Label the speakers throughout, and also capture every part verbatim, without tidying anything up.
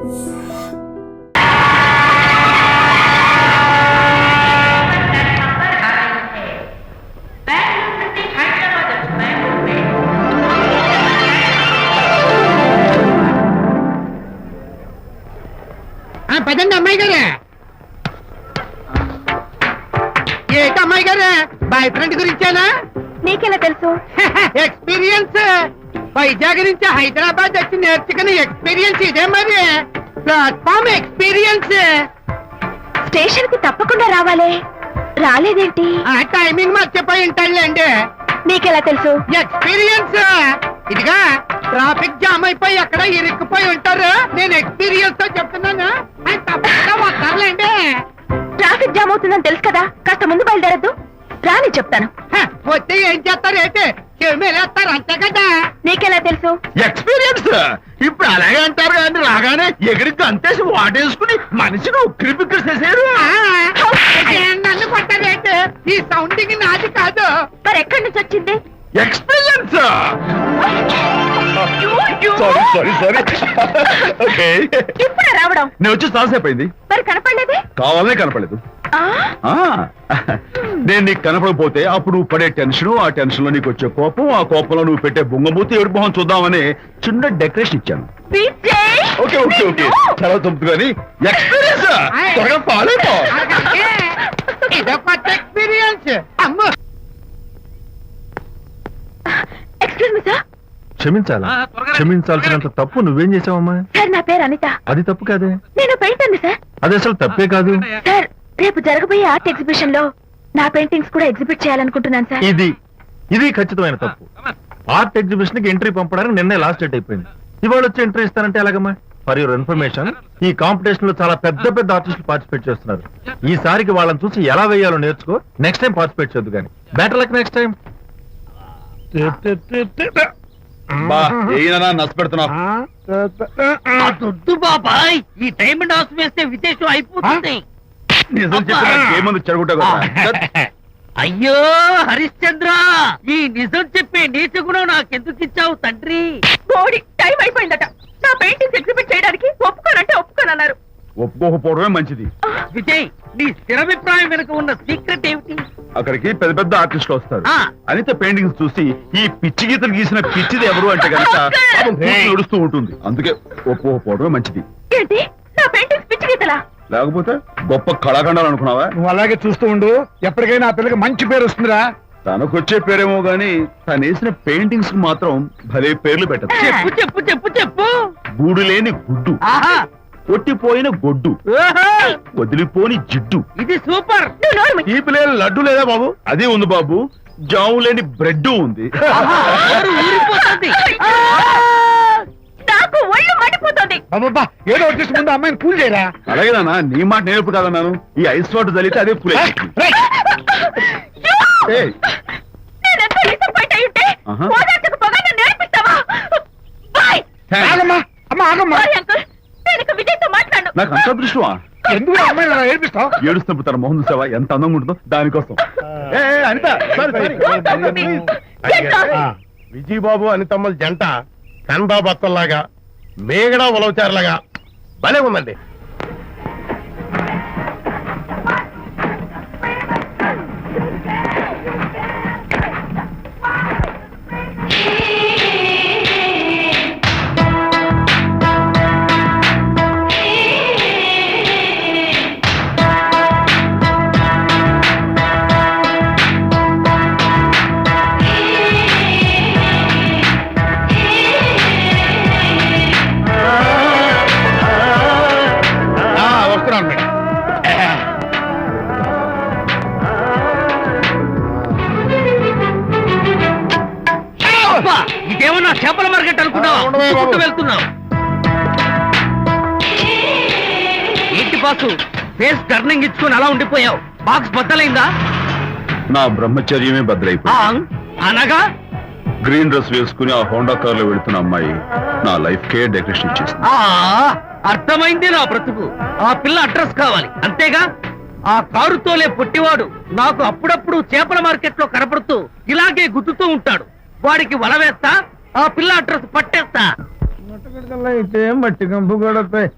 Speaker 1: పదండి అమ్మాయి గారే. ఏంటి అమ్మాయి గారే, బాయ్ ఫ్రెండ్ గురించేనా?
Speaker 2: నీకెలా తెలుసు?
Speaker 1: ఎక్స్పీరియన్స్. వైజాగ్ నుంచి హైదరాబాద్ వచ్చి నేర్చుకునే ఎక్స్పీరియన్స్ ఇదే మరి. Platform experience.
Speaker 2: స్టేషన్ కి తప్పకుండా రావాలే, రాలేదేంటి?
Speaker 1: ఆ టైమింగ్ మర్చిపోయి ఉంటాడులేండి.
Speaker 2: నీకెలా తెలుసు?
Speaker 1: ఎక్స్పీరియన్స్. ఇదిగా ట్రాఫిక్ జామ్ అయిపోయి ఎక్కడ ఇరుక్కుపోయి ఉంటారు. నేను ఎక్స్పీరియన్స్ తో చెప్తున్నాను, ఆయన తప్పకుండా వస్తారులేండి.
Speaker 2: ట్రాఫిక్ జామ్ అవుతుందని తెలుసు కదా, కాస్త ముందు బయలుదేరద్దు. రాని చెప్తాను.
Speaker 1: వస్తే ఏం చేస్తారు ఏంటి, చెమేలేస్తారు అంతే కదా.
Speaker 2: నీకెలా తెలుసు?
Speaker 3: ఎక్స్పీరియన్స్. ఇప్పుడు అలాగే అంటారు కానీ రాగానే ఎగిరికి అంతేసి వాటేసుకుని మనిషిని ఉక్కిరి బిక్కిరి చేశారు.
Speaker 1: నన్ను కొట్టారేంటి, ఈ సౌండింగ్ నాది కాదు.
Speaker 2: మరి ఎక్కడి నుంచి వచ్చింది?
Speaker 3: Experience. Sorry sorry sorry okay.
Speaker 2: ఇప్పుడే రావడం?
Speaker 3: నేను వచ్చి చాలాసేపు అయింది.
Speaker 2: మరి కనపడలేదే?
Speaker 3: కావాలనే కనపడలేదు. నేను నీకు కనపడకపోతే అప్పుడు పడే టెన్షన్, ఆ టెన్షన్ లో నీకు వచ్చే కోపం, ఆ కోపంలో నువ్వు పెట్టే బొంగమూతి ఏడు మొహం చూద్దామని చిన్న డెకరేషన్ ఇచ్చాను. ఓకే ఓకే ఓకే చాలా తప్పు కానీ ఎక్స్పీరియన్స్. త్వరగా ఫాలో అయిపో.
Speaker 1: ఇదో కొత్త ఎక్స్పీరియన్స్. అమ్మ
Speaker 2: ఎక్స్క్యూజ్ మీ సార్.
Speaker 4: క్షమించాలా? క్షమించాల్సినంత తప్పు నువ్వేం చేసావమ్మా?
Speaker 2: సార్ నా పేరు అనిత.
Speaker 4: అది తప్పు కాదే.
Speaker 2: నేను పెయింటర్ సార్.
Speaker 4: అది అసలు తప్పే కాదు
Speaker 2: సార్. రేపు జరగబోయే ఆర్ట్ ఎగ్జిబిషన్ లో నా పెయింటింగ్స్ కూడా ఎగ్జిబిట్ చేయాలనుకుంటున్నాను సార్.
Speaker 4: ఇది ఇది ఖచ్చితమైన తప్పు. ఆర్ట్ ఎగ్జిబిషన్ కి ఎంట్రీ పంపడానికి నిన్నే లాస్ట్ డేట్ అయిపోయింది. ఇవాళ వచ్చి ఎంట్రీ ఇస్తానంటే ఎలాగమ్మా? ఫర్ యువర్ ఇన్ఫర్మేషన్, ఈ కాంపిటీషన్ లో చాలా పెద్ద పెద్ద ఆర్టిస్టులు పార్టిసిపేట్ చేస్తున్నారు. ఈసారికి వాళ్ళని చూసి ఎలా వేయాలో నేర్చుకో. నెక్స్ట్ టైం పార్టిసిపేట్ చేయొద్దు కానీ. Better luck next time.
Speaker 1: దొడ్డు బాబాయ్, ఈ టైం డాన్స్ వేస్తే విశేషం అయిపోతుంది.
Speaker 3: నిజం చెప్పిన ఏముంది చెడగొట్టా.
Speaker 1: అయ్యో హరిశ్చంద్ర, ఈ నిజం చెప్పే నీచ గుణం నాకెందుకు ఇచ్చావు తండ్రి?
Speaker 2: బోడి టైం అయిపోయిందట. నా పెయింటింగ్స్ ఎగ్జిబిట్ చేయడానికి ఒప్పుకోనంటే ఒప్పుకోనన్నారు.
Speaker 3: ఒప్పుకోకపోవడమే మంచిది.
Speaker 1: విజయ్, నీ స్థిరాభిప్రాయం వెనుక ఉన్న సీక్రెట్ ఏమిటి?
Speaker 3: అక్కడికి పెద్ద పెద్ద ఆర్టిస్టులు వస్తారు.
Speaker 1: ఆ.
Speaker 3: అనిత పెయింటింగ్స్ చూసి ఈ పిచ్చి గీతలు గీసిన పిచ్చిది ఎవరు అంటే కనుక నడుస్తూ ఉంటుంది. అందుకే ఒప్పుకోకపోవడమే మంచిది.
Speaker 2: ఏంటి, నా పెయింటింగ్స్ పిచ్చి గీతలా?
Speaker 3: లేకపోతే గొప్ప కళాఖండాలు అనుకున్నావా?
Speaker 4: నువ్వు అలాగే చూస్తూ ఉండు, ఎప్పటికైనా ఆ పిల్లకి మంచి పేరు వస్తుందిరా.
Speaker 3: తనకొచ్చే పేరేమో గాని తను వేసిన పెయింటింగ్స్ మాత్రం భలే పేర్లు పెట్టదు.
Speaker 1: చెప్పు చెప్పు చెప్పు చెప్పు.
Speaker 3: గూడు లేని గుడ్డు,
Speaker 1: ఆహా,
Speaker 3: కొట్టిపోయిన గొడ్డు,
Speaker 1: ఓహో,
Speaker 3: వదిలిపోని జిడ్డు,
Speaker 1: ఇది సూపర్.
Speaker 2: నువ్వు నోరు మూయి.
Speaker 3: తీపి లేని లడ్డు లేదా బాబు? అదే ఉంది బాబు. జాము లేని బ్రెడ్ ఉంది.
Speaker 1: ఆహా, నోరు ఊరిపోతుంది.
Speaker 2: ఆ! నాకు ఒళ్ళు మండిపోతుంది.
Speaker 4: అబ్బబ్బా, ఏదో వచ్చేసి ముందు అమ్మాయిని కూల్ చేయరా.
Speaker 3: అలాగే నాన్న, నీ మాట నేర్పు కాదన్నాను. ఈ ఐస్ వాటర్ చలితే అదే పూలే.
Speaker 2: నేనెంతో డిసప్పాయింట్ అయి ఉంటే
Speaker 3: ఆహా.
Speaker 2: ఓదార్చకపోగా నన్ను నేర్పిస్తావా? బాయ్.
Speaker 4: ఆగమ్మా, అమ్మ ఆగమ్మా.
Speaker 2: సారీ అంకుల్, నేను ఇక విజయ్తో మాట్లాడను.
Speaker 3: నాకు అంత దృష్టమా?
Speaker 4: ఎందుకు అమ్మాయిని అలా ఏడిపిస్తావు?
Speaker 3: ఏడుస్తున్నప్పుడు తన మొహం చూసావా ఎంత అందంగా ఉంటుందో, దానికోసం. ఏ, ఏ, Anitha, sorry, sorry.
Speaker 2: Don't talk to me. Get lost.
Speaker 5: Vijaya Babu అనితమ్మల జంట కన్బాబు అత్తల్లాగా మేగడ ఉలవచారులాగా భలే ఉందండి.
Speaker 1: ఇదేమన్నా చేపల మార్కెట్ అనుకున్నావు? వెళ్తున్నావు ఏంటి బాసు, ఫేస్ టర్నింగ్ ఇచ్చుకుని అలా ఉండిపోయావు? బాక్స్ బద్దలైందా?
Speaker 3: నా బ్రహ్మచర్యమే బద్దలైపోయింది.
Speaker 1: అనగా
Speaker 3: గ్రీన్ డ్రెస్ వేసుకుని ఆ హోండా కార్ లో వెళుతున్న అమ్మాయి నా లైఫ్ కే డెకరేషన్ ఇచ్చేసింది.
Speaker 1: అర్థమైంది నా బ్రతుకు. ఆ పిల్ల అడ్రస్ కావాలి అంతేగా. ఆ కారు తోలే పొట్టివాడు నాకు అప్పుడప్పుడు చేపల మార్కెట్ లో కనపడుతూ ఇలాగే గుద్దుతూ ఉంటాడు. వాడికి వల వేస్తా, ఆ పిల్ల అడ్రస్ పట్టేస్తా.
Speaker 5: అయితే మట్టి కంపు కొడతాయి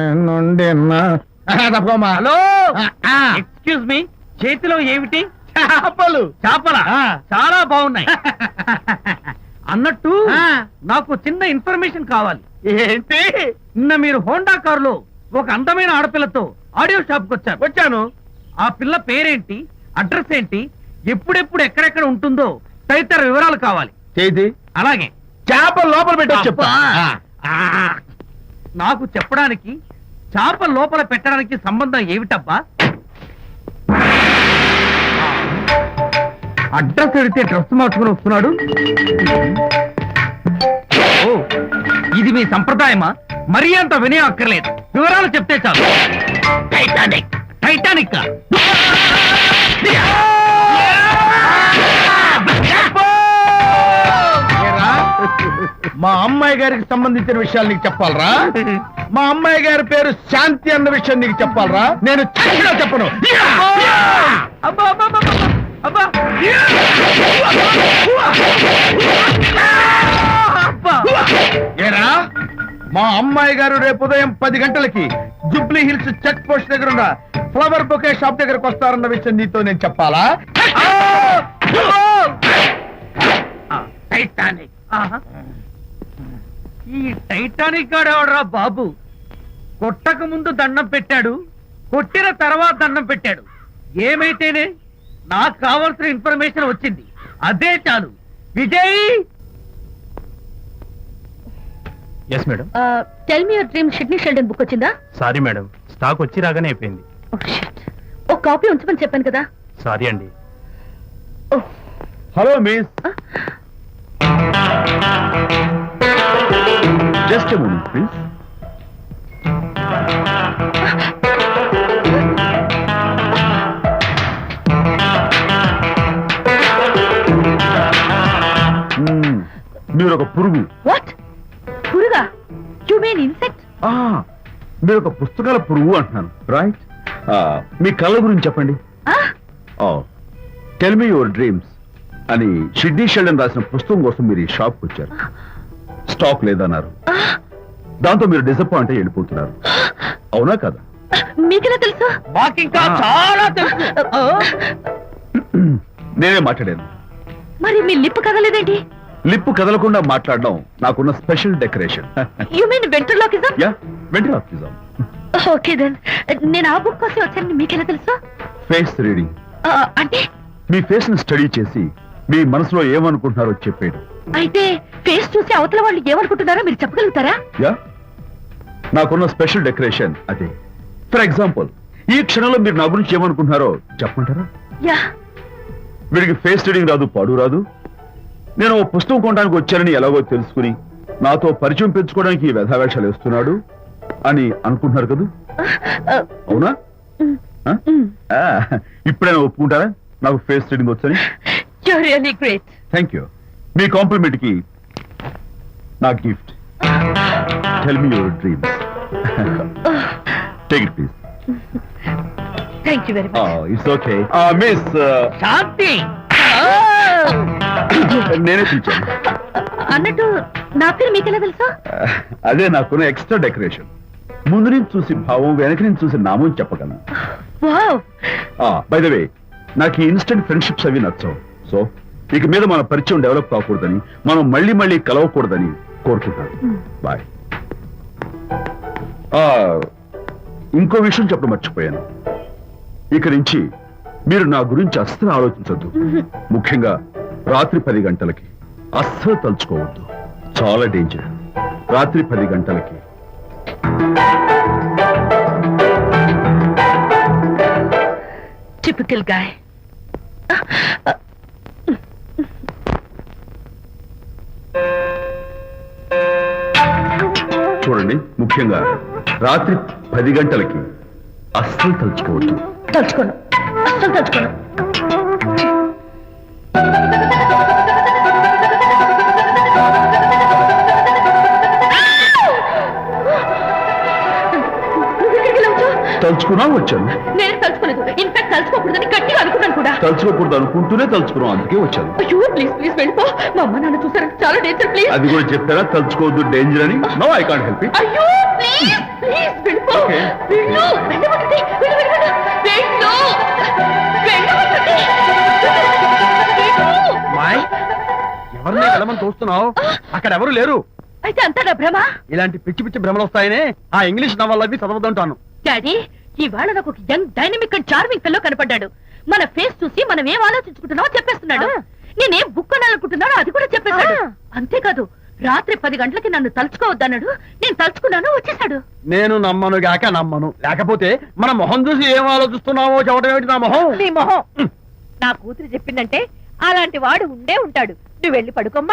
Speaker 1: హలో ఎక్స్క్యూజ్ మీ చేతిలో ఏమిటి
Speaker 5: చేపలు
Speaker 1: చేపల చాలా బాగున్నాయి అన్నట్టు నాకు చిన్న ఇన్ఫర్మేషన్ కావాలి.
Speaker 5: ఏంటి?
Speaker 1: నిన్న మీరు హోండా కారులో ఒక అందమైన ఆడపిల్లతో ఆడియో షాప్ కు వచ్చారు.
Speaker 5: వచ్చాను.
Speaker 1: ఆ పిల్ల పేరేంటి, అడ్రస్ ఏంటి, ఎప్పుడెప్పుడు ఎక్కడెక్కడ ఉంటుందో తదితర వివరాలు కావాలి.
Speaker 5: చేతి
Speaker 1: అలాగే
Speaker 5: చేపలు లోపల పెట్టొచ్చు చెప్తా.
Speaker 1: ఆ, నాకు చెప్పడానికి చేప లోపల పెట్టడానికి సంబంధం ఏమిటబ్బా? అడ్రస్ అడిగితే డ్రెస్ మార్చుకుని వస్తున్నాడు. ఓ, ఇది మీ సంప్రదాయమా? మరీ అంత వినయం అక్కర్లేదు, వివరాలు చెప్తే చాలు. టైటానిక్ టైటానిక్
Speaker 5: మా అమ్మాయి గారికి సంబంధించిన విషయాలు నీకు చెప్పాలరా? మా అమ్మాయి గారి పేరు శాంతి అన్న విషయం నీకు చెప్పాలరా? నేను చచ్చినా చెప్పను.
Speaker 1: అబ్బా అబ్బా అబ్బా, అబ్బా అబ్బా.
Speaker 5: ఏరా, మా అమ్మాయి గారు రేపు ఉదయం పది గంటలకి జుబ్లీ హిల్స్ చెక్ పోస్ట్ దగ్గర ఉన్న ఫ్లవర్ బొకే షాప్ దగ్గరకు వస్తారన్న విషయం నీతో నేను చెప్పాలా?
Speaker 1: టైటానిక్. ఆహా. ఈ టైటానిక్ గాడెవడరా బాబు? కొట్టక ముందు దండం పెట్టాడు, కొట్టిన తర్వాత దండం పెట్టాడు. ఏమైతేనే నాకు కావాల్సిన ఇన్ఫర్మేషన్ వచ్చింది, అదే చాలు. Vijay,
Speaker 4: yes madam.
Speaker 2: Tell me your dream Sidney Sheldon book వచ్చిందా?
Speaker 4: సారీ మేడం, స్టాక్ వచ్చి రాగానే అయిపోయింది.
Speaker 2: ఒక కాపీ ఉంచమని చెప్పాను కదా.
Speaker 4: సారీ అండి.
Speaker 3: Hello miss, just moment please. మీరు ఒక పురుగు.
Speaker 2: వాట్? పురుగా? You mean insect?
Speaker 3: ఆ, మీరు ఒక పుస్తకాల పురుగు అంటున్నాను, రైట్? మీ కళ్ళ గురించి చెప్పండి. టెల్ మీ యువర్ డ్రీమ్స్ అని షిడ్నీ షెల్డన్ రాసిన పుస్తకం కోసం మీరు ఈ షాప్కి వచ్చారు. స్టాక్ లేదన్నారు, దాంతో మీరు డిసప్పాయింట్ అయ్యి వెళ్ళిపోతున్నారు, అవునా కదా?
Speaker 2: మీకెలా తెలుసు?
Speaker 1: మాకింకా చాలా తెలుసు.
Speaker 3: నేనే మాట్లాడాను.
Speaker 2: మరి మీ లిప్ కదలేదేంటి?
Speaker 3: లిప్పు కదలకుండా మాట్లాడడం నాకున్న special decoration.
Speaker 2: You mean ventriloquism?
Speaker 3: Yeah, ventriloquism.
Speaker 2: Okay then, నేను ఆ బుక్ కోసం వచ్చానని మీకెలా తెలుసు?
Speaker 3: ఫేస్ రీడింగ్
Speaker 2: అంటే
Speaker 3: మీ ఫేస్ ని స్టడీ చేసి మీ మనసులో ఏమనుకుంటున్నారో చెప్పేయడం.
Speaker 2: అయితే ఫేస్ చూసి అవతల వాళ్ళు ఏమనుకుంటున్నారో మీరు చెప్పగలుగుతారా?
Speaker 3: యా, నాకున్న స్పెషల్ డెకరేషన్ అదే. ఫర్ ఎగ్జాంపుల్, ఈ క్షణంలో మీరు నా గురించి ఏమనుకుంటున్నారో చెప్పమంటారా?
Speaker 2: యా.
Speaker 3: వీడికి ఫేస్ రీడింగ్ రాదు, పాడు రాదు. నేను ఓ పుస్తకం కొనడానికి వచ్చానని ఎలాగో తెలుసుకుని నాతో పరిచయం పెంచుకోవడానికి ఈ వ్యధావేషాలు వేస్తున్నాడు అని అనుకుంటున్నారు కదా, అవునా? ఆ, ఇప్పుడైనా ఒప్పుకుంటారా నాకు ఫేస్ రీడింగ్ వచ్చని?
Speaker 2: You're really great.
Speaker 3: Thank you. మీ కాంప్లిమెంట్ కి నా gift. Tell me your dreams. Take it please.
Speaker 2: Thank you very much.
Speaker 3: It's okay. Miss,
Speaker 1: Shanti,
Speaker 3: నేనే పిలిచాను.
Speaker 2: అన్నట్టు నా పేరు మీకెలా తెలుసా?
Speaker 3: అదే నాకున్న ఎక్స్ట్రా డెకరేషన్. ముందు నుంచి చూసి భావం, వెనక నుంచి చూసి నామం చెప్పగలను.
Speaker 2: వావ్.
Speaker 3: బై ద వే, నాకు ఈ ఇన్స్టెంట్ ఫ్రెండ్షిప్స్ అవి నచ్చవు. సో ఇక మీద మన పరిచయం డెవలప్ కాకూడదని, మనం మళ్ళీ మళ్ళీ కలవకూడదని కోరుకుంటాను. బాయ్. ఇంకో విషయం చెప్పడం మర్చిపోయాను. ఇక నుంచి మీరు నా గురించి అస్సలు ఆలోచించొద్దు. ముఖ్యంగా రాత్రి పది గంటలకి అస్సలు తలుచుకోవద్దు, చాలా డేంజర్. రాత్రి పది గంటలకి
Speaker 2: Typical guy.
Speaker 3: చూడండి, ముఖ్యంగా రాత్రి పది గంటలకి అస్సలు తలుచుకోవద్దు.
Speaker 2: తలుచుకోను, అస్సలు తలుచుకోను. నువ్వు ఇక్కడికి వెళ్ళవచ్చు?
Speaker 3: తలుచుకున్నా వచ్చాను.
Speaker 2: నేను తలుచుకోలేదు. ఇన్ఫాక్ట్ తలుచుకోకూడదని గట్టిగా అనుకున్నాను కూడా.
Speaker 3: తలుచుకోకూడదు అనుకుంటూనే తలుచుకున్నాం, అందుకే వచ్చాను.
Speaker 2: అయ్యో ప్లీజ్ ప్లీజ్ వెళ్ళిపో. మా అమ్మ నాన్న చూసారంటే చాలా డేంజర్. ప్లీజ్.
Speaker 3: అది కూడా చెప్తారా తలుచుకోవద్దు డేంజర్ అని? No, I can't help it.
Speaker 2: అయ్యో ప్లీజ్ ప్లీజ్ వెళ్ళిపో.
Speaker 3: Okay.
Speaker 2: వెళ్ళు వెళ్ళవద్దండి. వెళ్ళు వెళ్ళు వెళ్ళు. వెళ్ళు వెళ్ళవద్దండి. వెళ్ళు.
Speaker 5: మాయ్ ఎవరిని వెళ్ళమని చూస్తున్నావు? అక్కడ ఎవరు లేరు.
Speaker 2: అయితే అంతా నా భ్రమ.
Speaker 5: ఇలాంటి పిచ్చి పిచ్చి భ్రమలు వస్తాయనే ఆ ఇంగ్లీష్ నవల్ అవి చదవదంటాను.
Speaker 2: డాడీ ఇవాళ నాకు ఒక యంగ్ డైనమిక్ అండ్ చార్మింగ్ పిల్లో కనపడ్డాడు. మన ఫేస్ చూసి మనం ఏం ఆలోచించుకుంటున్నామో చెప్పేస్తున్నాడు. నేనేం బుక్ అనాలనుకుంటున్నానో అది కూడా చెప్పేశాడు. అంతేకాదు రాత్రి పది గంటలకి నన్ను తలుచుకోవద్దన్నాడు. నేను తలుచుకున్నాను, వచ్చేసాడు.
Speaker 5: నేను నమ్మను గాక నమ్మను. లేకపోతే మన మొహం చూసి ఏం ఆలోచిస్తున్నావో చెప్పడం ఏమిటి నా మొహం?
Speaker 2: నీ మొహం. నా కూతురు చెప్పిందంటే అలాంటి వాడు ఉండే ఉంటాడు. నువ్వు వెళ్ళి పడుకోమ్మా.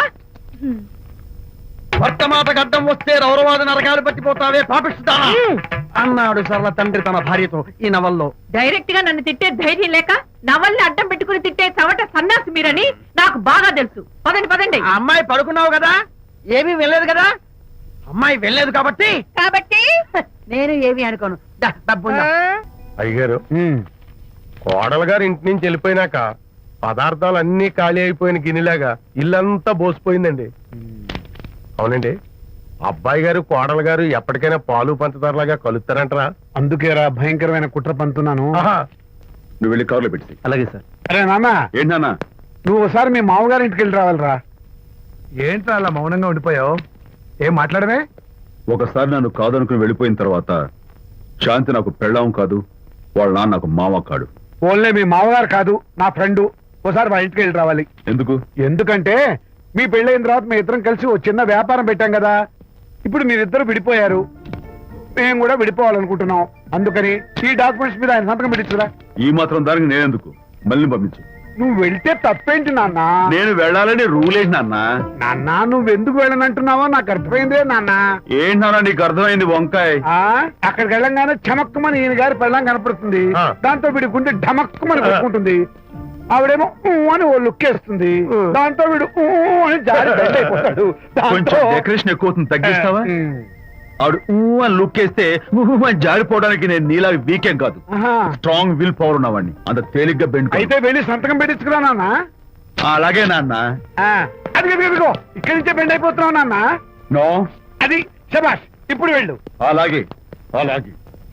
Speaker 5: భర్త మాట గడ్డం వస్తే రౌరవాద నరకాలు పట్టిపోతావే పాపిస్తానా అన్నాడు సరళ తండ్రి తన భార్యతో ఈ నవల్లో.
Speaker 2: డైరెక్ట్ గా నన్ను తిట్టే ధైర్యం లేక నవల్ని అడ్డం పెట్టుకుని తిట్టే చవట సన్నాసి మీరని నాకు బాగా తెలుసు. పదండి పదండి.
Speaker 5: ఆ అమ్మాయి పడుకున్నావు కదా, ఏమీ వెళ్ళలేదు కదా. అమ్మాయి వెళ్ళలేదు కాబట్టి
Speaker 2: కాబట్టి
Speaker 5: నేను ఏమీ అనుకోను. దా, డబ్బు ఉందా?
Speaker 4: అయ్యగారు, కోడలు గారు ఇంటి నుంచి వెళ్ళిపోయినాక పదార్థాలు అన్ని ఖాళీ అయిపోయిన గిన్నెలాగా ఇల్లంతా బోసిపోయిందండి. అవునండి, అబ్బాయి గారు కోడలు గారు ఎప్పటికైనా పాలు పంచదారలాగా కలుస్తారంటరా?
Speaker 6: అందుకేరా భయంకరమైన కుట్ర పంతున్నాను.
Speaker 3: నువ్వు వెళ్ళి కారులో పెట్టి.
Speaker 5: అలాగే సార్.
Speaker 6: అరే నాన్న,
Speaker 3: ఏంటన్నా?
Speaker 6: నువ్వు ఒకసారి మీ మామగారి ఇంటికి వెళ్ళి రావాలిరా.
Speaker 5: ఏంట్రా అలా మౌనంగా ఉండిపోయావు? ఏం మాట్లాడమే?
Speaker 3: ఒకసారి నన్ను కాదనుకుని వెళ్ళిపోయిన తర్వాత శాంతి నాకు పెళ్ళాం కాదు, వాళ్ళ నాన్న నాకు మామ కాడు.
Speaker 6: ఓన్లే మీ మామగారు కాదు, నా ఫ్రెండ్. ఒకసారి మా ఇంటికి వెళ్ళి రావాలి.
Speaker 3: ఎందుకు?
Speaker 6: ఎందుకంటే మీ పెళ్ళైన తర్వాత మీ ఇద్దరం కలిసి ఓ చిన్న వ్యాపారం పెట్టాం కదా. ఇప్పుడు మీరిద్దరు విడిపోయారు, మేము కూడా విడిపోవాలనుకుంటున్నాం. అందుకని ఈ డాక్యుమెంట్స్ మీద ఆయన సంతకం పెట్టించురా.
Speaker 3: ఈ మాత్రం దానికి నేనెందుకు? మళ్ళీ పంపించు.
Speaker 6: నువ్వు వెళ్తే తప్పేంటి నాన్న?
Speaker 3: నేను వెళ్ళాలని రూల్ ఏంటి నాన్న?
Speaker 6: నాన్న నువ్వు ఎందుకు వెళ్ళనంటున్నావో నాకు అర్థమైందే నాన్న.
Speaker 3: ఏంటి నాన్న నీకు అర్థమైంది వంకాయ?
Speaker 6: ఆ అక్కడికి వెళ్ళంగానే చమక్కుమని ఈయన గారి పెళ్ళం కనపడుతుంది.
Speaker 4: ఆ.
Speaker 6: దాంతో వీడి గుండె ఢమక్కుమని కొట్టుకుంటుంది. ఆవిడేమో ఊ అని ఓ లుక్ వేస్తుంది. దాంతో వీడు ఊ అని జారి బెడ్ అయిపోతాడు.
Speaker 3: కొంచెం డెకరేషన్ ఎక్కువ అవుతుంది, తగ్గిస్తావా? ఆవిడ ఊ అని లుక్ వేస్తే ఊ అని జారిపోవడానికి నేను నీలా వీకేం కాదు, స్ట్రాంగ్ విల్ పవర్ ఉన్నవాడిని. అంత తేలిగ్గా బెండ్
Speaker 6: అయితే వెళ్ళి సంతకం పెట్టించుకురా నాన్న.
Speaker 3: అలాగే నాన్న.
Speaker 6: ఆ, అది ఇదిగో ఇక్కడి నుంచే బెండ్ అయిపోతున్నావు నాన్న.
Speaker 3: నో,
Speaker 6: అది శబాష్, ఇప్పుడు వెళ్ళు.
Speaker 3: అలాగే అలాగే.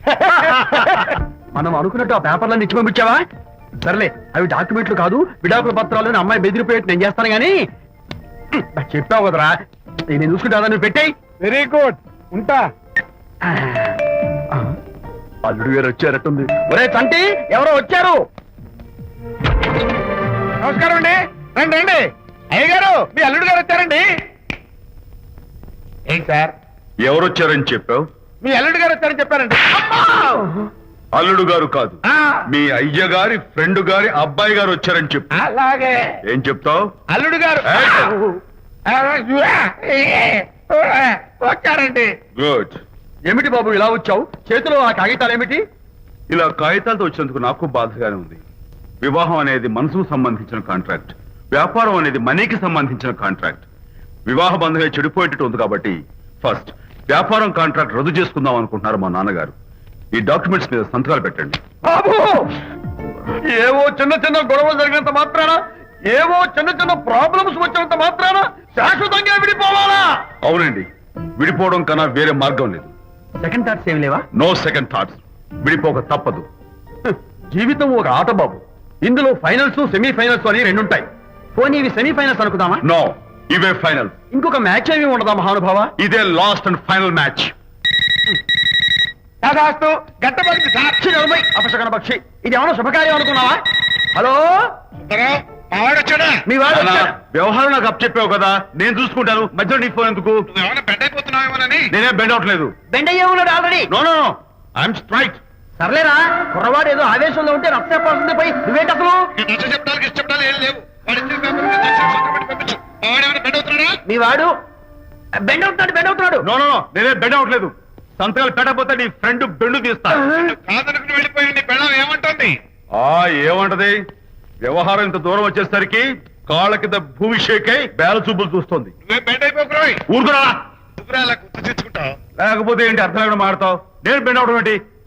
Speaker 5: మనం అనుకున్నట్టు ఆ పేపర్లను ఇచ్చి పంపించావా? సర్లే, అవి డాక్యుమెంట్లు కాదు, విడాకుల పత్రాలు. అమ్మాయి బెదిరిపోయేట్టు నేను చేస్తాను గానీ నాకు చెప్పావు కదరా, నేను చూసుకుంటా. నువ్వు పెట్టాయి.
Speaker 6: వెరీ గుడ్, ఉంటా.
Speaker 3: అల్లుడు గారు వచ్చారట్టుంది.
Speaker 5: ఒరే తంటి, ఎవరో వచ్చారు.
Speaker 6: నమస్కారం అండి. రండి రండి. అయ్య గారు, మీ అల్లుడు గారు వచ్చారండి. ఏంటి సార్?
Speaker 3: ఎవరు వచ్చారని చెప్పావు?
Speaker 6: మీ అల్లుడు గారు వచ్చారని చెప్పారండి.
Speaker 3: అల్లుడు గారు కాదు,
Speaker 6: ఆ,
Speaker 3: మీ అయ్య గారి ఫ్రెండ్ గారి అబ్బాయి గారు వచ్చారని చెప్పు.
Speaker 6: అలాగే.
Speaker 3: ఏం చెప్తావు?
Speaker 6: అల్లుడు గారు వచ్చారండి.
Speaker 3: గుడ్.
Speaker 5: ఏమిటి బాబు ఇలా వచ్చావు? చేతిలో ఆ కాగితాలు ఏమిటి?
Speaker 3: ఇలా కాగితాలతో వచ్చినందుకు నాకు బాధగానే ఉంది. వివాహం అనేది మనసుకు సంబంధించిన కాంట్రాక్ట్, వ్యాపారం అనేది మనీకి సంబంధించిన కాంట్రాక్ట్. వివాహ బంధంగా చెడిపోయేటట్టు ఉంది కాబట్టి ఫస్ట్ వ్యాపారం కాంట్రాక్ట్ రద్దు చేసుకుందాం అనుకుంటున్నారు మా నాన్నగారు. ఈ డాక్యుమెంట్స్ మీద సంతకాలు పెట్టండి.
Speaker 5: బాబు, ఏవో చిన్న చిన్న గొడవలు జరిగినంత మాత్రాన, ఏవో చిన్న చిన్న ప్రాబ్లమ్స్ వచ్చినంత మాత్రాన శాశ్వతంగా విడిపోవాలా?
Speaker 3: అవునండి, విడిపోవడం కన్నా వేరే మార్గం లేదు.
Speaker 5: సెకండ్ థాట్స్ ఏమి లేవా?
Speaker 3: No second thoughts. విడిపోక తప్పదు.
Speaker 5: జీవితం ఒక ఆట బాబు. ఇందులో ఫైనల్స్, సెమీఫైనల్స్ అని రెండుంటాయి. పోనీ ఇవి సెమీఫైనల్స్ అనుకుందామా?
Speaker 3: నో, ఇవే ఫైనల్.
Speaker 5: ఇంకొక మ్యాచ్ ఏమి ఉండదా మహానుభావ?
Speaker 3: ఇదే లాస్ట్ అండ్ ఫైనల్ మ్యాచ్.
Speaker 6: దాదాస్తు గట్టబడి
Speaker 5: సాక్షి నలభై అపశకన పక్షి. ఇది ఏమైనా శుభకార్యం అనుకున్నావా? హలో,
Speaker 6: వచ్చాడా?
Speaker 5: మీ వాడు
Speaker 3: అన్నా,
Speaker 5: వచ్చాడు.
Speaker 3: వ్యవహారం నాకు అప్ చెప్పావు కదా, నేను చూసుకుంటాను. మధ్యలో నీ ఫోన్ ఎందుకు?
Speaker 6: ఏమైనా బెడ్ అయిపోతున్నావేమోనని.
Speaker 3: నేనే బెండ్ అవట్లేదు.
Speaker 5: బెండ్ అయ్యే ఉన్నాడు already.
Speaker 3: No no no, I'm straight.
Speaker 5: సర్లేరా, కుర్రవాడు ఏదో ఆవేశంలో ఉంటే రక్త చెప్పాల్సింది పోయి నువ్వేంటి అసలు?
Speaker 6: చెప్తానికి ఇష్టపడాలి ఏం లేవు. వాడి ఇచ్చిన పేపర్ మీద సంతకం పెట్టి పంపించు. వాడేమైనా బెడ్ అవుతున్నాడా?
Speaker 5: మీ వాడు బెండ్ అవుతున్నాడు, బెండ్ అవుతున్నాడు.
Speaker 3: నో నో నో, నేనే బెండ్ అవట్లేదు. సంతకాలు పెట్టకపోతే నీ ఫ్రెండ్ బెండు తీస్తా.
Speaker 6: కాదనుకుని వెళ్ళిపోయి నీ పెళ్ళం ఏమంటుంది?
Speaker 3: ఆ ఏమంటది? వ్యవహారం ఇంత దూరం వచ్చేసరికి కాళ్ళ కింద భూమి షేక్ అయి బేల చూపులు చూస్తుంది.
Speaker 6: నువ్వే బెడ్ అయిపోకురాయి.
Speaker 3: ఊరుకురా.
Speaker 6: నువ్వురా అలా గుర్తు తెచ్చుకుంటావు.
Speaker 3: లేకపోతే ఏంటి అర్థం లేకుండా మాడతావు? నేను బెండ్ అవడం ఏంటి?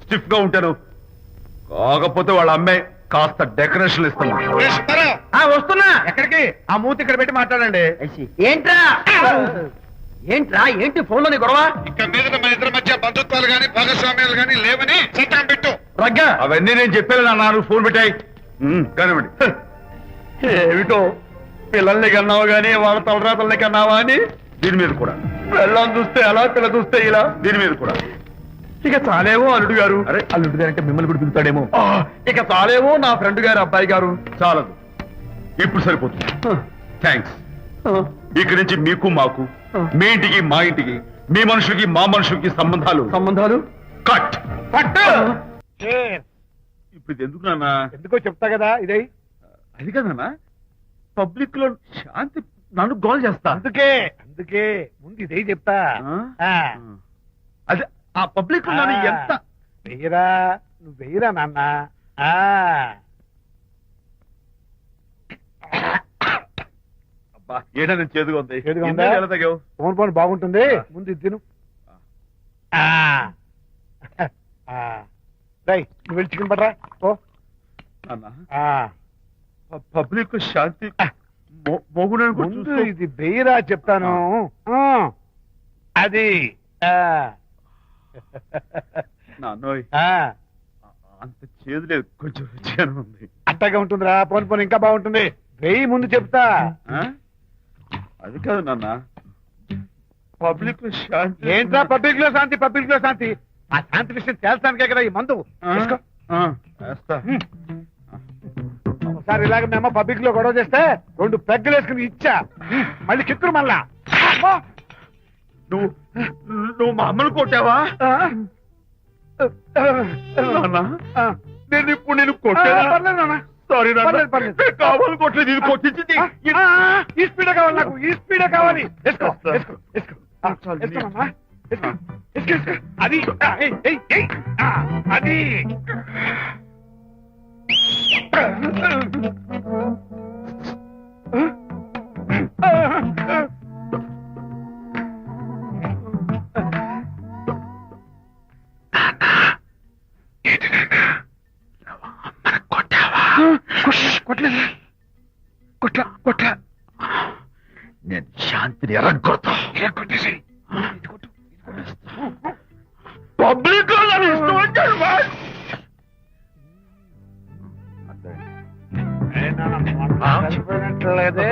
Speaker 3: స్టిఫ్ గా ఉంటాను. కాకపోతే వాళ్ళ అమ్మాయి కాస్త డెకరేషన్ ఇస్తాను.
Speaker 5: ఆ, వస్తున్నా. ఎక్కడికి? ఆ మూతి ఇక్కడ పెట్టి మాట్లాడండి.
Speaker 1: ఏంట్రా ఏంట్రా ఏంటి ఫోన్ లోని గొడవ?
Speaker 6: ఇక మీద మన ఇద్దరి మధ్య బంధుత్వాలు గాని భాగస్వామ్యాలు గాని లేవని సంతకం పెట్టు.
Speaker 3: రగ్గా అవన్నీ నేను చెప్పాను అన్నారు. ఫోన్ పెట్టాయి కానివ్వండి. ఏమిటో పిల్లల్ని కన్నావు గానీ వాళ్ళ తలరాతల్ని కన్నావా అని దీని మీద కూడా. పిల్లల్ని చూస్తే అలా, పిల్ల చూస్తే ఇలా, దీని మీద కూడా. ఇక చాలేమో అల్లుడు గారు. అరే అల్లుడు గారు అంటే మిమ్మల్ని కూడా పిలుతాడేమో. ఇక చాలేమో నా ఫ్రెండ్ గారు అబ్బాయి గారు. చాలదు, ఇప్పుడు సరిపోతుంది. థ్యాంక్స్. ఇక్కడి నుంచి మీకు మాకు, మీ ఇంటికి మా ఇంటికి, మీ మనుషులకి మా మనుషులకి సంబంధాలు సంబంధాలు కట్
Speaker 5: పట్టు.
Speaker 3: ఇప్పుడు ఇది ఎందుకు నాన్న?
Speaker 6: ఎందుకో చెప్తా కదా ఇదే.
Speaker 3: అది కదన్నా, పబ్లిక్ లో శాంతి నన్ను గోల్ చేస్తా.
Speaker 6: అందుకే అందుకే ముందు ఇదే చెప్తా.
Speaker 3: ఆ? అదే ఆ పబ్లిక్ లో నన్ను ఎంత
Speaker 6: వెయ్యరా, నువ్వు వెయ్యరా నాన్న. ఆ.
Speaker 3: అబ్బా ఏడా నేను చేదుగా ఉంది.
Speaker 6: చేదుగా ఉందా?
Speaker 3: ఇందాక ఎలా తగ్గావు?
Speaker 6: ఫోన్ ఫోన్ బాగుంటుంది, ముందు ఇది తిను. ఆ. ఆ. రేయ్, నువ్వు వెళ్ళి చికెన్ పట్టరా. ఓ
Speaker 3: నాన్న,
Speaker 6: ఆ.
Speaker 3: పబ్లిక్ శాంతి మోగుడని
Speaker 6: ముందు ఇది వెయ్యరా చెప్తాను. ఆ. అది. ఆ.
Speaker 3: నాన్నోయ్
Speaker 6: ఆ.
Speaker 3: అంత చేదు లేదు, కొంచెం రుచిగానే ఉంది.
Speaker 6: అట్టగా ఉంటుందిరా. పోను పోను ఇంకా బాగుంటుంది. వెయ్యి ముందు చెప్తా.
Speaker 3: ఆ? అది కాదు నాన్న, పబ్లిక్ లో శాంతి.
Speaker 6: ఏంట్రా పబ్లిక్ లో శాంతి, పబ్లిక్ లో శాంతి? ఆ శాంతి విషయం తేల్చడానికే కదా ఈ మందు.
Speaker 3: ఆ?
Speaker 6: వేసుకో.
Speaker 3: ఆ, వేస్తా.
Speaker 6: ఒకసారి ఇలాగ మేము పబ్లిక్ లో గొడవ చేస్తే రెండు పెగ్గలు వేసుకుని ఇచ్చా. మళ్ళీ కిక్కురు మళ్ళా. అమ్మా!
Speaker 3: నువ్వు నువ్వు మా అమ్మను కొట్టావా?
Speaker 6: ఆ?
Speaker 3: నాన్న,
Speaker 6: ఆ.
Speaker 3: నేను ఇప్పుడు నేను
Speaker 6: ఆ,
Speaker 3: కొట్టానా?
Speaker 6: పర్లేదు నాన్న.
Speaker 3: సారీ నాన్న,
Speaker 6: పర్లేదు, పర్లేదు.
Speaker 3: నేను కావాలి కొట్టలేదు, ఇది కొట్టించింది.
Speaker 6: ఆ, ఆ, ఈ స్పీడే కావాలి నాకు, ఈ స్పీడే కావాలి. వేసుకో,
Speaker 3: వేస్తా.
Speaker 6: వేసుకో, వేసుకో. ఆ,
Speaker 3: చాలు,
Speaker 6: వేసుకోనమ్మా. వేసుకో, వేసుకో, వేసుకో. అది ఆ, ఏయ్, ఏయ్, ఏయ్. ఆ, అది కొట్టలేదు, కొట్ల కొట్ల.
Speaker 3: నేను శాంతిని ఎరగొడతా.
Speaker 6: కొట్టేసి
Speaker 3: పబ్లిక్ లో నన్ను ఇష్టం వచ్చాడు వాడు.
Speaker 6: కలిపోయినట్లేదే.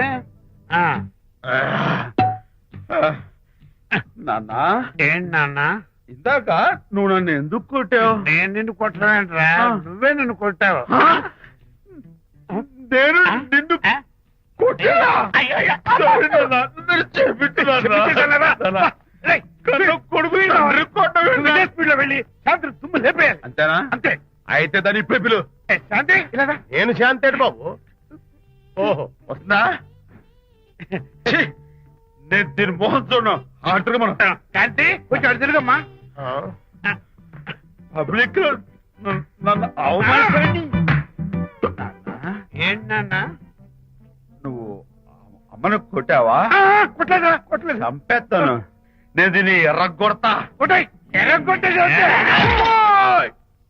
Speaker 3: నాన్న,
Speaker 6: ఏంటి నాన్న?
Speaker 3: ఇందాక నువ్వు నన్ను ఎందుకు కొట్టావు?
Speaker 6: నేను నిన్ను కొట్టలేంట్రా,
Speaker 3: ఆ.
Speaker 6: నువ్వే నిన్ను కొట్టావు.
Speaker 3: నేను నిన్ను
Speaker 6: ఆ?
Speaker 3: కొట్టానా? సారీ నాన్న, నేను చేపించున్నాను.
Speaker 6: రేయ్,
Speaker 3: కన్ను కొడుకు తండ్రి కొట్టవేంటి?
Speaker 6: నువ్వు ఇదే స్పీడ్ లో వెళ్ళి శాంతి తుమ్ము లేపేయాలి.
Speaker 3: అంతేనా?
Speaker 6: అంతే.
Speaker 3: అయితే దాని ఇప్పుడే పిలు.
Speaker 6: ఏ, శాంతి ఇలా రా.
Speaker 3: నేను శాంతేడు బాబు. ఓహో వస్తుందా? ఛీ, నేను దీని మోహన్ చూడను. అంటారు మనం
Speaker 6: శాంతి కొంచెం అటు తిరుగమ్మా.
Speaker 3: పబ్లిక్ లో నన్ను- నన్ను అవమానించండి.
Speaker 6: ఏంటి నాన్న?
Speaker 3: నువ్వు అమ్మను కొట్టావా?
Speaker 6: ఆ, కొట్టలేదా? కొట్టలేదు.
Speaker 3: చంపేస్తాను. నేను దీన్ని ఎర్రగొడతా.
Speaker 6: కొట్టాయి, ఎర్ర కొట్టేసి అంతే.
Speaker 3: ఏయ్!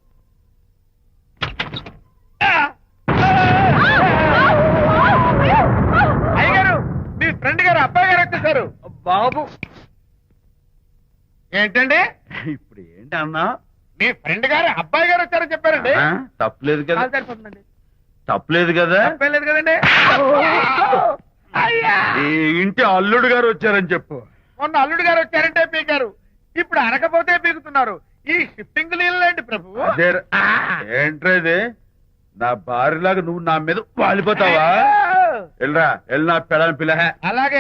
Speaker 6: అయ్యగారు, మీ ఫ్రెండ్ గారు అబ్బాయి గారు వచ్చేసారు.
Speaker 3: బాబు
Speaker 6: ఏంటండి?
Speaker 3: ఇప్పుడు ఏంటి అన్నా?
Speaker 6: మీ ఫ్రెండ్ గారు అబ్బాయి గారు వచ్చారని చెప్పారండి.
Speaker 3: ఆ, తప్పలేదు కదా?
Speaker 6: కాలు సరిపోతుందండి.
Speaker 3: తప్పలేదు కదా?
Speaker 6: తప్పలేదు కదండి. అయ్యా,
Speaker 3: ఈ ఇంటి అల్లుడు గారు వచ్చారని చెప్పు.
Speaker 6: మొన్న అల్లుడు గారు వచ్చారంటే పీకారు, ఇప్పుడు అనకపోతే పీకుతున్నారు. ఈ షిఫ్టింగ్ నీళ్ళండి ప్రభు.
Speaker 3: అదే ఏంట్రేది? నా భార్యలాగా నువ్వు నా మీద వాలిపోతావా? వెళ్ళరా, వెళ్ళి నా పెళ్ళని పిల్ల.
Speaker 6: అలాగే.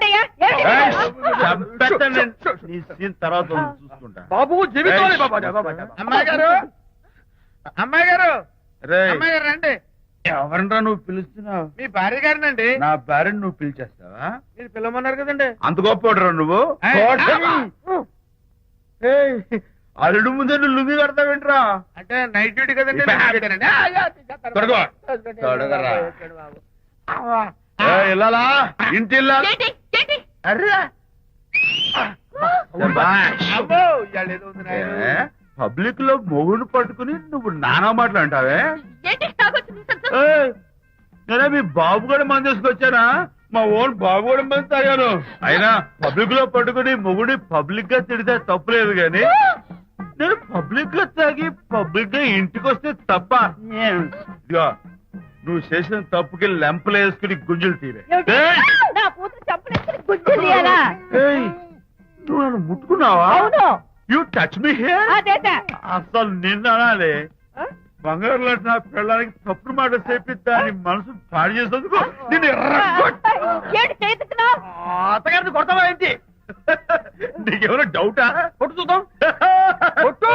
Speaker 3: నీ సీన్ తర్వాత చూసుకుంటా.
Speaker 6: బాబు జీవితం. అమ్మాయి గారు, అమ్మాయి గారు,
Speaker 3: రేయ్,
Speaker 6: అమ్మాయి గారు రండి.
Speaker 3: ఎవరినరా నువ్వు పిలుస్తున్నావు?
Speaker 6: మీ భార్య గారినండి.
Speaker 3: నా భార్యను నువ్వు పిలిచేస్తావా?
Speaker 6: మీరు పిల్లమన్నారు కదండి.
Speaker 3: అంత గొప్ప నువ్వు?
Speaker 6: ఏయ్,
Speaker 3: కోటమి. ఏయ్, అల్లుడు ముందే నువ్వు లుంగి కడతావేంట్రా?
Speaker 6: అంటే నైట్ డ్యూటీ కదండి.
Speaker 3: ఇప్పుడు
Speaker 6: నైట్ డ్యూటీనండి. ఆ, యా, తీసేస్తాను.
Speaker 3: తొడగో.
Speaker 6: తొడగండి.
Speaker 3: తొడగరా.
Speaker 6: వచ్చాడు బాబు. అవ్వా.
Speaker 3: ఏయ్, ఇల్లాలా? ఇంటి ఇల్లాలా?
Speaker 2: ఏంటి? ఏంటి?
Speaker 3: అర్రా.
Speaker 6: అమ్మో, ఇవాళ ఏదో ఉంది నాయనా.
Speaker 3: ఏ, పబ్లిక్ లో మొగుడు పట్టుకుని నువ్వు నానా మాటలు అంటావే
Speaker 2: ఏంటి తాగొచ్చు
Speaker 3: ఏయ్, నేనే మీ బాబు కూడా మంది తీసుకొచ్చానా మా ఓన్ బాబు కూడా మంది తాగాను అయినా పబ్లిక్ లో పట్టుకుని మొగుడి పబ్లిక్ గా తిడితే తప్పులేదు గాని నేను పబ్లిక్ గా తాగి పబ్లిక్ గా ఇంటికి వస్తే తప్ప ఇదిగో నువ్వు చేసిన తప్పుకి లెంపలు వేసుకుని గుంజులు తీరే ఏయ్!
Speaker 2: నా కూతురు చంపలేసుకుని గుజ్జు తీయాలా?
Speaker 3: ఏయ్, నువ్వు నన్ను ముట్టుకున్నావా
Speaker 2: అవును.
Speaker 3: యూ టచ్ మీ హియర్
Speaker 2: అదేట.
Speaker 3: అసలు నిన్న అనాలి బంగారు లాంటి నా పిల్లలకి తప్పుడు మాట చెప్పి దాని మనసు పాడు చేసేందుకు నేను
Speaker 2: ఏంటి చేతుకున్నావ్?
Speaker 3: అత్తగారిని కొడతావా ఏంటి నీకేమైనా డౌటా కొట్టు చూద్దాం కొట్టు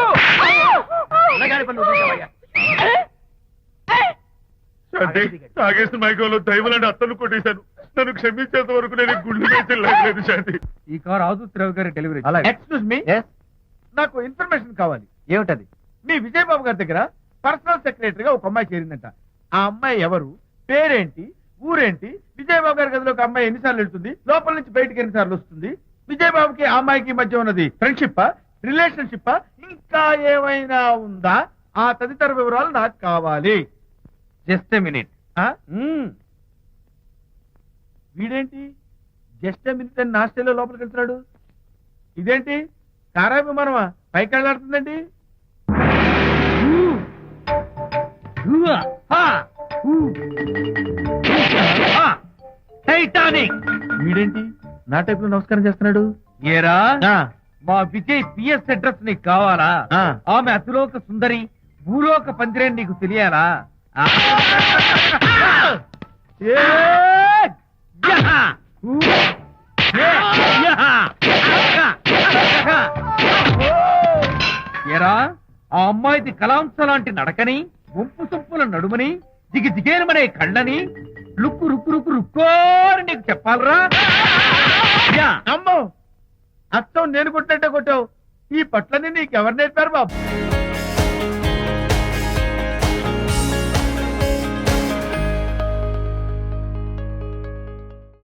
Speaker 3: శాంతి, తాగేసిన మైకంలో దైవలాంటి అత్తను కొట్టేశాను నన్ను క్షమించేంత వరకు నేను గుండె వేసి లేదు శాంతి.
Speaker 5: ఈ కార్ ఆదుత్రావు గారి డెలివరీ ఎక్స్క్యూజ్ మీ నాకు ఇన్ఫర్మేషన్ కావాలి. ఏమిటది? మీ విజయబాబు గారి దగ్గర పర్సనల్ సెక్రటరీగా ఒక అమ్మాయి చేరిందంట. ఆ అమ్మాయి ఎవరు, పేరేంటి, ఊరేంటి, విజయబాబు గారి గదిలో ఒక అమ్మాయి ఎన్నిసార్లు వెళ్తుంది, లోపల నుంచి బయటికి ఎన్నిసార్లు వస్తుంది, విజయబాబుకి ఆ అమ్మాయికి మధ్య ఉన్నది ఫ్రెండ్షిప్ రిలేషన్షిప్ ఇంకా ఏమైనా ఉందా, ఆ తదితర వివరాలు నాకు కావాలి. Just minute. వీడేంటి జస్ట్ మినిట్ అని నాస్టేలో లోపలికి వెళ్తున్నాడు? ఇదేంటి కారా విమానమా పైకి వెళ్ళాడుతుందండి? టైటానిక్. వీడేంటి నా టైప్ లో నమస్కారం చేస్తున్నాడు? ఏరా మా విజయ్ పిఎస్ అడ్రస్ నీకు కావాలా? ఆమె అతిలోక సుందరి భూలోక పందిరేని నీకు తెలియాలా? ఏ యహా! ఊ! ఏ యహా! యహా! ఏరా ఆ అమ్మాయిది కలాంస లాంటి నడకని, వంపు సొంపుల నడుమని, దిగి దిగేనమనే కళ్ళని, లుక్కు రుక్కు రుక్కు రుక్కోని నీకు చెప్పాలరా? యా! అమ్మో అత్తం నేను కొట్టినట్టే కొట్టావు. ఈ పట్లని నీకెవరు నేర్పారు బాబు?